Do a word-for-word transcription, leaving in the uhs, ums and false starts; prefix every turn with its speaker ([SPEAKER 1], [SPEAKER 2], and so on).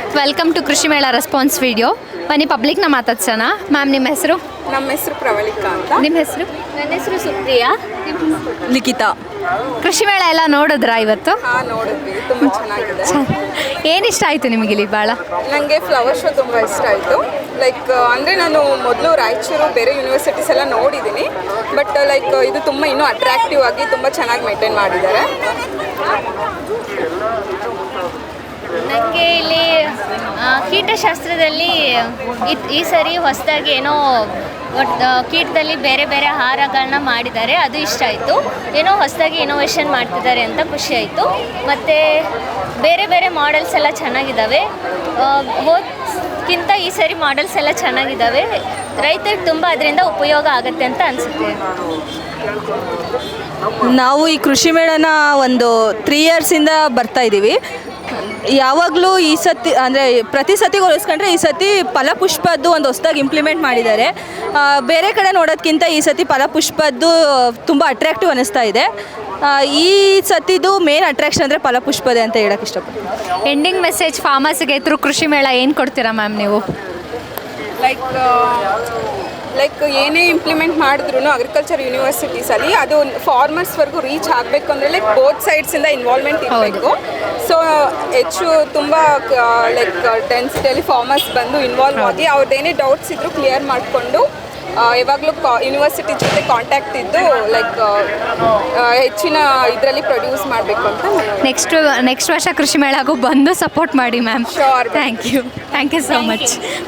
[SPEAKER 1] Welcome to ಕೃಷಿ ಮೇಳ response video. ಬನ್ನಿ ಪಬ್ಲಿಕ್ನ ಮಾತಾಡ್ಸೋಣ. ಮ್ಯಾಮ್ ನಿಮ್ಮ ಹೆಸರು?
[SPEAKER 2] ನಮ್ಮ ಹೆಸರು ಪ್ರವಳಿಕಾ ಅಂತ.
[SPEAKER 1] ನಿಮ್ಮ ಹೆಸರು?
[SPEAKER 3] ನನ್ನ ಹೆಸರು ಸುಪ್ರಿಯಾ.
[SPEAKER 2] ಲಿಖಿತಾ.
[SPEAKER 1] ಕೃಷಿ ಮೇಳ ಎಲ್ಲ ನೋಡಿದ್ರಾ ಇವತ್ತು?
[SPEAKER 2] ಹಾಂ ನೋಡಿದ್ವಿ, ತುಂಬ ಚೆನ್ನಾಗಿದೆ.
[SPEAKER 1] ಏನು ಇಷ್ಟ ಆಯಿತು ನಿಮಗೆ ಇಲ್ಲಿ ಭಾಳ?
[SPEAKER 2] ನನಗೆ ಫ್ಲವರ್ ಶೋ ತುಂಬ ಇಷ್ಟ ಆಯಿತು. ಲೈಕ್ ಅಂದರೆ ನಾನು ಮೊದಲು ರಾಯಚೂರು ಬೇರೆ ಯೂನಿವರ್ಸಿಟೀಸ್ ಎಲ್ಲ ನೋಡಿದ್ದೀನಿ, ಬಟ್ ಲೈಕ್ ಇದು ತುಂಬ ಇನ್ನೂ ಅಟ್ರಾಕ್ಟಿವ್ ಆಗಿ ತುಂಬ ಚೆನ್ನಾಗಿ ಮೇಂಟೈನ್ ಮಾಡಿದ್ದಾರೆ.
[SPEAKER 3] ನನಗೆ ಇಲ್ಲಿ ಆ, ಕೀಟಶಾಸ್ತ್ರದಲ್ಲಿ ಇದ್- ಈ ಸರಿ ಹೊಸದಾಗಿ ಏನೋ ಒಟ್ಟು ಕೀಟದಲ್ಲಿ ಬೇರೆ ಬೇರೆ ಆಹಾರಗಳನ್ನ ಮಾಡಿದ್ದಾರೆ, ಅದು ಇಷ್ಟ ಆಯಿತು. ಏನೋ ಹೊಸದಾಗಿ ಇನೋವೇಷನ್ ಮಾಡ್ತಿದ್ದಾರೆ ಅಂತ ಖುಷಿ ಆಯಿತು. ಮತ್ತು ಬೇರೆ ಬೇರೆ ಮಾಡೆಲ್ಸ್ ಎಲ್ಲ ಚೆನ್ನಾಗಿದ್ದಾವೆ. ಹೋದ್ಕಿಂತ ಈ ಸರಿ ಮಾಡೆಲ್ಸ್ ಎಲ್ಲ ಚೆನ್ನಾಗಿದ್ದಾವೆ. ರೈತರಿಗೆ ತುಂಬ ಅದರಿಂದ ಉಪಯೋಗ ಆಗುತ್ತೆ ಅಂತ ಅನಿಸುತ್ತೆ.
[SPEAKER 4] ನಾವು ಈ ಕೃಷಿ ಮೇಳನ ಒಂದು ತ್ರೀ ಇಯರ್ಸಿಂದ ಬರ್ತಾ ಇದ್ದೀವಿ. ಯಾವಾಗಲೂ ಈ ಸತಿ ಅಂದರೆ ಪ್ರತಿ ಸತಿ ಹೋಲಿಸ್ಕೊಂಡ್ರೆ ಈ ಸತಿ ಫಲಪುಷ್ಪದ್ದು ಒಂದು ಹೊಸದಾಗಿ ಇಂಪ್ಲಿಮೆಂಟ್ ಮಾಡಿದ್ದಾರೆ. ಆ, ಬೇರೆ ಕಡೆ ನೋಡೋದಕ್ಕಿಂತ ಈ ಸತಿ ಫಲಪುಷ್ಪದ್ದು ತುಂಬ ಅಟ್ರಾಕ್ಟಿವ್ ಅನ್ನಿಸ್ತಾ ಇದೆ. ಆ, ಈ ಸತಿದು ಮೇನ್ ಅಟ್ರಾಕ್ಷನ್ ಅಂದರೆ ಫಲಪುಷ್ಪದೇ ಅಂತ ಹೇಳೋಕ್ಕೆ ಇಷ್ಟಪಡ್ತೀನಿ.
[SPEAKER 1] ಎಂಡಿಂಗ್ ಮೆಸೇಜ್ ಫಾರ್ಮರ್ಸ್ಗೆ ಥ್ರೂ ಕೃಷಿ ಮೇಳ ಏನು ಕೊಡ್ತೀರಾ ಮ್ಯಾಮ್ ನೀವು?
[SPEAKER 2] ಲೈಕ್ ಲೈಕ್ ಏನೇ ಇಂಪ್ಲಿಮೆಂಟ್ ಮಾಡಿದ್ರು ಅಗ್ರಿಕಲ್ಚರ್ ಯೂನಿವರ್ಸಿಟೀಸಲ್ಲಿ ಅದು ಫಾರ್ಮರ್ಸ್ವರೆಗೂ ರೀಚ್ ಆಗಬೇಕು ಅಂದರೆ ಲೈಕ್ ಬೋತ್ ಸೈಡ್ಸಿಂದ ಇನ್ವಾಲ್ವ್ಮೆಂಟ್ ಇರಬೇಕು. ಸೊ ಹೆಚ್ಚು ತುಂಬ ಲೈಕ್ ಡೆನ್ಸಿಟಿಯಲ್ಲಿ ಫಾರ್ಮರ್ಸ್ ಬಂದು ಇನ್ವಾಲ್ವ್ ಆಗಿ ಅವ್ರದ್ದೇನೇ ಡೌಟ್ಸ್ ಇದ್ದರೂ ಕ್ಲಿಯರ್ ಮಾಡಿಕೊಂಡು ಯಾವಾಗಲೂ ಕಾ ಯೂನಿವರ್ಸಿಟಿ ಜೊತೆ ಕಾಂಟ್ಯಾಕ್ಟ್ ಇದ್ದು ಲೈಕ್ ಹೆಚ್ಚಿನ ಇದರಲ್ಲಿ ಪ್ರೊಡ್ಯೂಸ್ ಮಾಡಬೇಕು ಅಂತ.
[SPEAKER 1] ನೆಕ್ಸ್ಟ್ ನೆಕ್ಸ್ಟ್ ವರ್ಷ ಕೃಷಿ ಮೇಳಗೂ ಬಂದು ಸಪೋರ್ಟ್ ಮಾಡಿ ma'am.
[SPEAKER 2] Sure.
[SPEAKER 1] Thank you thank you so much.